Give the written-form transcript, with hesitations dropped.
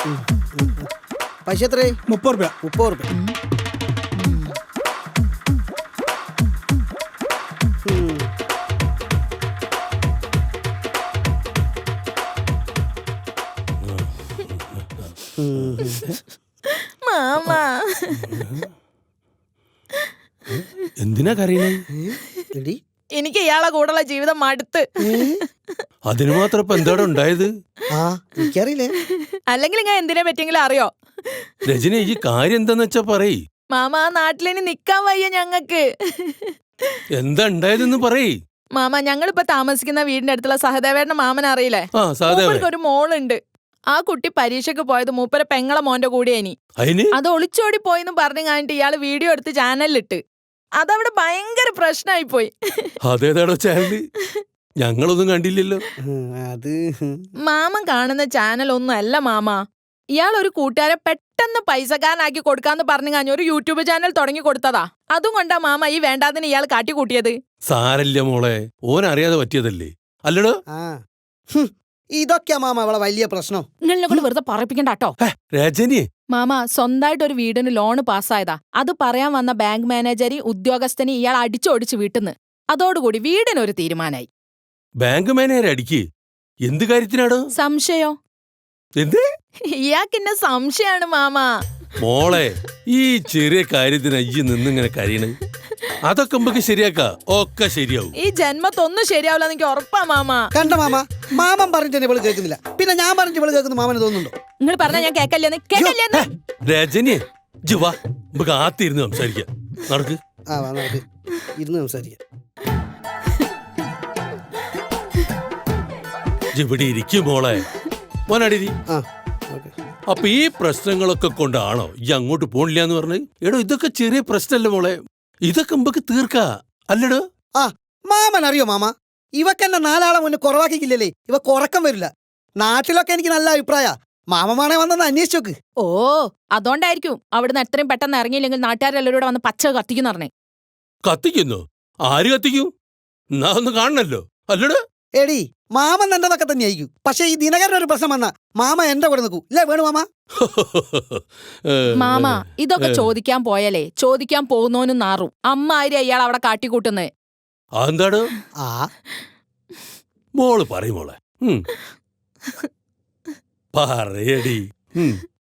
പൈസ എത്രയായി? 30 രൂപ. 30 റുപ്യ. മാമ എന്തിനാ കരയണേ? എടി എനിക്ക് ഇയാളെ കൂടെയുള്ള ജീവിതം മടുത്ത്. അതിന് മാത്രം ഇപ്പൊ എന്താണ് ഉണ്ടായത്? ആ എനിക്കറിയില്ലേ. അല്ലെങ്കിൽ ഞാൻ എന്തിനെ പറ്റിയെങ്കിലും അറിയോ? രജനി, ഈ കാര്യം എന്താന്ന് വെച്ചാ പറയ്. മാമ ആ നാട്ടിലിനി നിക്കാൻ വയ്യ ഞങ്ങക്ക്. എന്താ ഉണ്ടായതെന്ന് പറയ്. മാമ ഞങ്ങളിപ്പോ താമസിക്കുന്ന വീടിന്റെ അടുത്തുള്ള സഹദേവേട്ടന്റെ മാമൻ അറിയില്ലേ? ആ സഹദേവൻ. മൂപ്പർക്ക് ഒരു മോളുണ്ട്. ആ കുട്ടി പരീക്ഷയ്ക്ക് പോയത് മൂപ്പരെ പെങ്ങളെ മോന്റെ കൂടെയാനി. അതിന് അത് ഒളിച്ചോടി പോയിന്ന് പറഞ്ഞു കഴിഞ്ഞിട്ട് ഇയാള് വീഡിയോ എടുത്ത് ചാനലിലിട്ട്. അതവിടെ ഭയങ്കര പ്രശ്നമായി പോയി. അതേതാടോ ചാനല്? ഞങ്ങളൊന്നും കണ്ടില്ലല്ലോ. അത് മാമൻ കാണുന്ന ചാനൽ ഒന്നും അല്ല മാമ. ഇയാൾ ഒരു കൂട്ടുകാരെ പെട്ടെന്ന് പൈസക്കാരനാക്കി കൊടുക്കാന്ന് പറഞ്ഞു കഴിഞ്ഞ ഒരു യൂട്യൂബ് ചാനൽ തുടങ്ങി കൊടുത്തതാ. അതും കൊണ്ടാ മാമ ഈ വേണ്ടാതിന് ഇയാൾ കാട്ടിക്കൂട്ടിയത്. സാരല്ല മോളെ, ഓൻ അറിയാതെ പറ്റിയതല്ലേ അല്ലടോ. ആ ഇതൊക്കെയാ മാമ അവളെ വലിയ പ്രശ്നം. നിങ്ങളെ കൊണ്ട് വെറുതെ പറയിപ്പിക്കണ്ടാട്ടോ. രജനി, മാമ സ്വന്തമായിട്ട് ഒരു വീടിന് ലോണ് പാസ്സായതാ. അത് പറയാൻ വന്ന ബാങ്ക് മാനേജരി ഉദ്യോഗസ്ഥന് ഇയാൾ അടിച്ചോടിച്ച് വീട്ടിന്ന്. അതോടുകൂടി വീടിനൊരു തീരുമാനായി. ബാങ്ക് മാനേജർ അടിക്ക്. എന്ത് കാര്യത്തിനാടോ? സംശയോ? എന്ത്? ഇയാൾക്കിന്നെ സംശയാണ് മാമ. മോളെ, ഈ ചെറിയ കാര്യത്തിന് അയ്യ നിന്നിങ്ങനെ കരയണ്. അതൊക്കെ നമുക്ക് ശരിയാക്കാ. ഒക്കെ ശരിയാവും. ഈ ജന്മത്തൊന്നും ശരിയാവില്ല എനിക്ക് ഉറപ്പാ മാമ. കണ്ട മാമ, മാമൻ പറഞ്ഞിട്ട് ഇവള് കേൾക്കുന്നില്ല. പിന്നെ ഞാൻ പറഞ്ഞിട്ട് ഇവള് കേൾക്കുന്ന മാമന് തോന്നുന്നുണ്ടോ? നിങ്ങൾ പറഞ്ഞാ ഞാൻ കേക്കല്ലേന്ന്. രജനി, ജുവാ നമുക്ക് ആത്തിരുന്ന് സംസാരിക്കാം. നടക്ക്. ആ വാ നമുക്ക് ഇരുന്ന് സംസാരിക്കാം. ഇവിടെ ഇരിക്കും മോളെ. മോനടിരി. ആ ഓക്കെ. അപ്പൊ ഈ പ്രശ്നങ്ങളൊക്കെ കൊണ്ടാണോ ഈ അങ്ങോട്ട് പോണില്ല എന്ന് പറഞ്ഞ്? എടോ, ഇതൊക്കെ ചെറിയ പ്രശ്നമല്ലേ മോളെ. ഇതൊക്കെ നമുക്ക് തീർക്കാ അല്ലടോ. ആ മാമൻ അറിയോ മാമ, ഇവക്കെന്നെ 4 ആളെ മുന്നേ കുറവാക്കിക്കില്ലല്ലേ ഇവ കുറക്കം വരില്ല. നാട്ടിലൊക്കെ എനിക്ക് നല്ല അഭിപ്രായ. മാമമാണെ വന്നെന്ന് അന്വേഷിച്ചു നോക്ക്. ഓ അതോണ്ടായിരിക്കും അവിടുന്ന് എത്രയും പെട്ടെന്ന് ഇറങ്ങിയില്ലെങ്കിൽ നാട്ടുകാരെല്ലാവരും വന്ന് പച്ച കത്തിക്കുന്ന പറഞ്ഞേ. കത്തിക്കുന്നു? ആര് കത്തിക്കും? എന്നാ ഒന്ന് കാണണല്ലോ അല്ലടോ. എടി മാമൻ എന്റെതൊക്കെ തന്നെ ആയിരിക്കും. പക്ഷെ ഈ ദിനകരൻ ഒരു പ്രശ്നം വന്നാ മാമ എന്റെ കൂടെ നിൽക്കൂ ഇല്ലേ? വേണു മാമ. മാമ ഇതൊക്കെ ചോദിക്കാൻ പോയാലേ ചോദിക്കാൻ പോകുന്നോനും നാറും. അമ്മാതിരി അയാൾ അവിടെ കാട്ടിക്കൂട്ടുന്നേ. അതെന്താടോ? ആ മോള് പറയും മോളെ. പറയടി.